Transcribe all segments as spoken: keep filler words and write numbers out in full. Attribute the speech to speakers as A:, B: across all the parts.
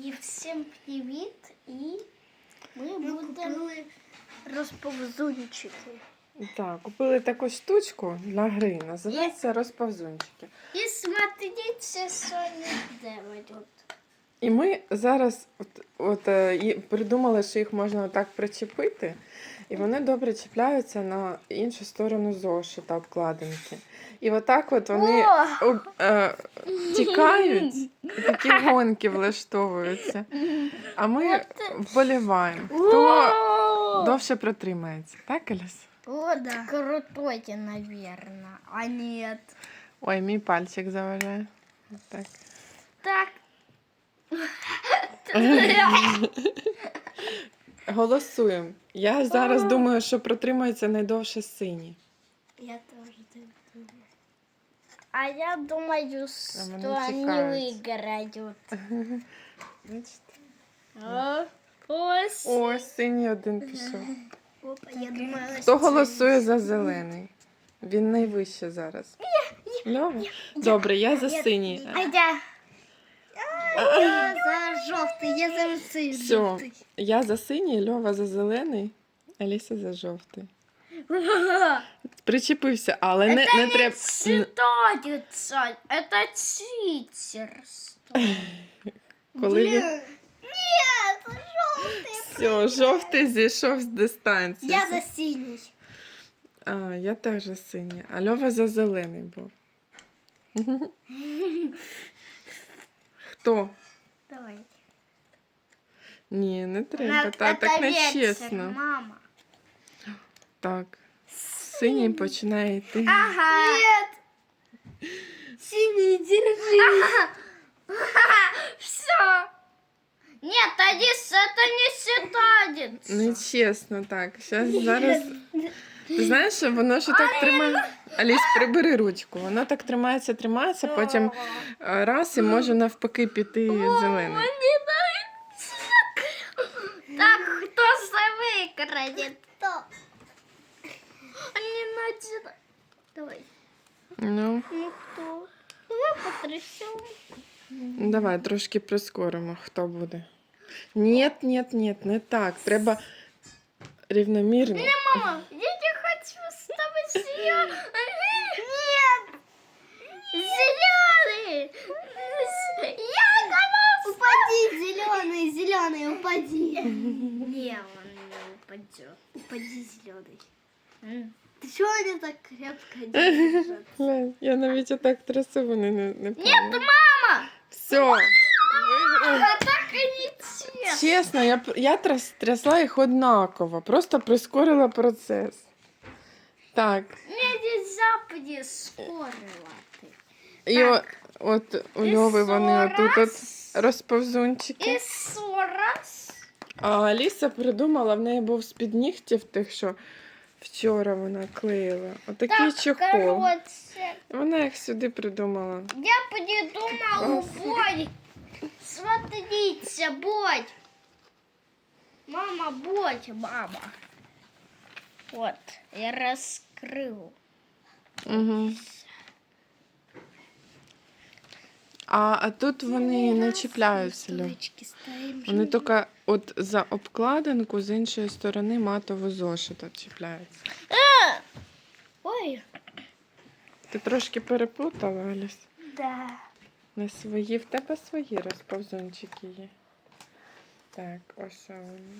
A: І всім привіт! І ми будемо розповзунчики.
B: Так, купили таку штучку для гри, називається розповзунчики.
A: І смотрите, що не делают.
B: І ми зараз от, от, е, і придумали, що їх можна отак причепити, і вони добре чіпляються на іншу сторону зошита, обкладинки. І отак от вони об, е, тікають, і такі гонки влаштовуються. А ми вболіваємо, хто довше протримається. Так, Аліс?
A: Вот крутой, наверное. А нет.
B: Ой, мій пальчик заважає. Так.
A: Так.
B: Голосуємо. Я зараз думаю, що протримається найдовше синій.
A: Я тоже так думаю. А я думаю, что
B: вони
A: они
B: тікають.
A: выиграют.
B: Бачите?
A: А, ось.
B: О, синій один пішов.
A: Опа, я думала,
B: Хто голосує за зелений? Він найвище зараз. Льова? Добре, я за синій.
A: А я... Я за жовтий, я за цей
B: Все,
A: жовтий.
B: я за синій, Льова за зелений, Аліса за жовтий. Причепився, але не, не треба.
A: Считается, это читерство.
B: Коли він...
A: Нет, жовтий.
B: Все, жовтий зійшов з дистанції.
A: Я за синій.
B: А, я теж за синій, а Льова за зелений був. Хто?
A: Давай.
B: Ні, не треба, та, так не чесно.
A: Мама.
B: Так, синій починає йти.
A: Ага. Нет. Синий, держи. Ага. Все. Нет, Адис, это не считается.
B: Нечесно, так. Щас, зараз. Ти знаєш, що воно ж так тримає. Аліс, прибери ручку. Воно так тримається, тримається, потім е, раз і може навпаки піти зелений.
A: Так, кто выиграет? Кто? Не надо. Давай.
B: Ну,
A: Ну кто? Давай потрясем.
B: давай трошки прискоримо, хто буде. Ні, ні, ні, не так. Треба рівномірно.
A: Мама, я не хочу с тобой зеленый. Нет. Зеленый. Я голосую. Упади, зеленый, зеленый, упади. Не, он не упадет. Упади, зеленый. Ты чего они так крепко держат?
B: Глянь, я навіть отак трясу, вони не, не
A: Нет,
B: помню.
A: мама!
B: Все, виграв.
A: А так и не честно.
B: Чесно, я, п- я тряс, трясла їх однаково, просто прискорила процес. Так,
A: Мне нельзя прискорювати.
B: і о, от у
A: І
B: Льови вони отут от
A: раз.
B: розповзунчики.
A: І сораз.
B: А Аліса придумала, в неї був з-під нігтів тих, що вчора вона клеїла. Отакий
A: Так,
B: чохол.
A: короче,
B: Вона їх сюди придумала.
A: я придумала бой. Смотрите, бой. Мама, бой, мама. Вот, я раскрыл.
B: Угу. А, а тут вони не чіпляються, Льов.
A: Столички ставим.
B: Вони тільки от за обкладинку з іншої сторони матового зошита чіпляються.
A: Ой,
B: Ти трошки переплутала, Аліс?
A: да.
B: Не свої, в тебе свої розповзунчики є. Так, ось вони.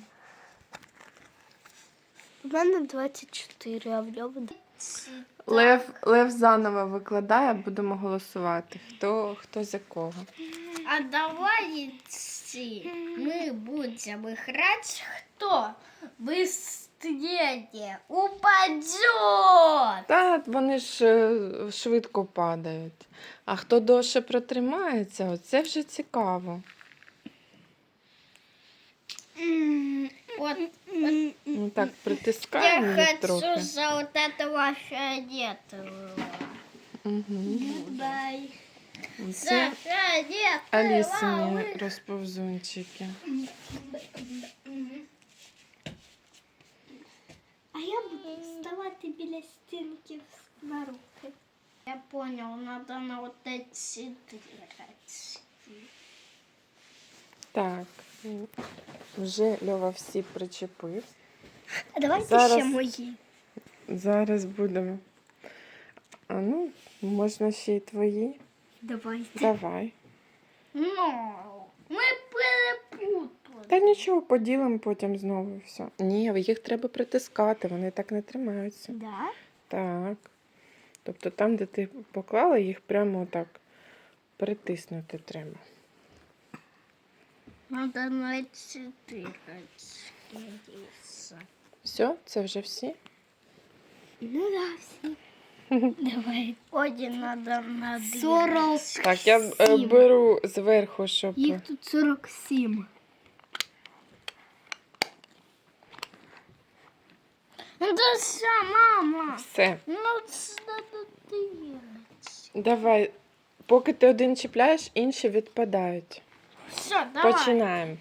A: У мене двадцять чотири, а в Льови...
B: Лев, Лев заново викладає, будемо голосувати. Хто, хто за кого.
A: А давайте мы будем играть, кто быстрее упадет.
B: Та вони ж е, швидко падають. А хто довше протримається, оце вже цікаво.
A: Вот, вот.
B: Ну так, притискаємо
A: Я
B: їх
A: хочу
B: трохи.
A: за вот этого фиолетового.
B: Угу.
A: Дай.
B: Це
A: За фиолетового.
B: Алісині розповзунчики.
A: А я буду вставать біля стінки на руки. Я понял, надо на вот эти три.
B: Так, вже Льова всі причепив.
A: А давайте
B: Зараз-
A: ще мої.
B: Зараз будемо. А ну, можна ще й твої.
A: Давайте.
B: Давай.
A: Ну, ми перепутали.
B: Та нічого, поділимо потім знову і все. Ні, їх треба притискати, вони так не тримаються.
A: Да?
B: Так. Тобто там, де ти поклала, їх прямо так притиснути треба.
A: Надо на чотири.
B: Все, це вже всі?
A: Ну да, всі. Давай. Один надо на сорок.
B: Так, я е, беру зверху, щоб.
A: Їх тут сорок сім. Ну це все, мама.
B: Все.
A: Ну це надо дивитися.
B: Давай. Поки ти один чіпляєш, інші відпадають.
A: Все, давай.
B: Починаємо.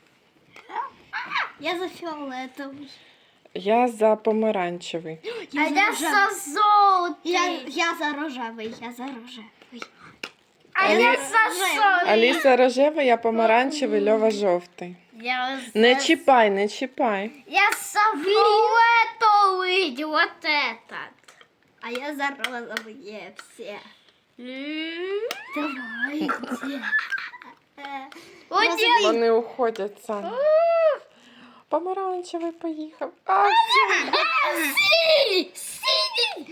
A: Я за фіолетовий.
B: Я за помаранчевий.
A: А я за золотий. Я, я за рожевий, я за рожевий. А
B: Алі-
A: я за жовтий.
B: Аліса рожева, я помаранчевий, Льова жовтий.
A: Я за...
B: Не чіпай, не чіпай.
A: Я за фиолетовый, вот этот. А я за розовые все. Давайте. Один.
B: Вони уходять самі. Помаранчевий поїхав. А, все.
A: Синий, синий.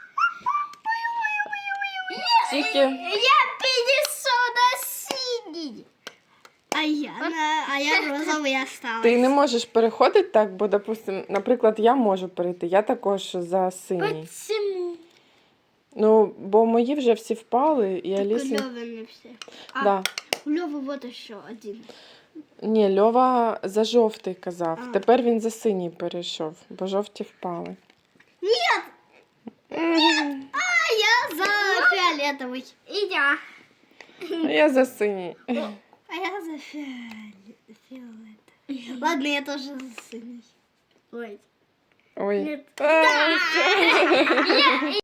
B: Тільки
A: Я перенесу на синий. А я, на, а я розовий осталась.
B: ти не можеш переходити так, бо, допустим, наприклад, я можу перейти, я також за синій.
A: Почему?
B: Ну, бо мої вже всі впали, і
A: Так у
B: Аліса...
A: Лёвы не все. А,
B: Да.
A: у Лёвы вот еще один.
B: Ні, Льова за жовтий казав.
A: А.
B: Тепер він за синій перейшов, бо жовті впали.
A: Нет!
B: Мгм.
A: А я за фиолетовый. И я.
B: А я за синій.
A: А я за фиолет- фиолетовый. Ладно, я тоже за синий. Ой.
B: Ой.
A: Нет.
B: А, все.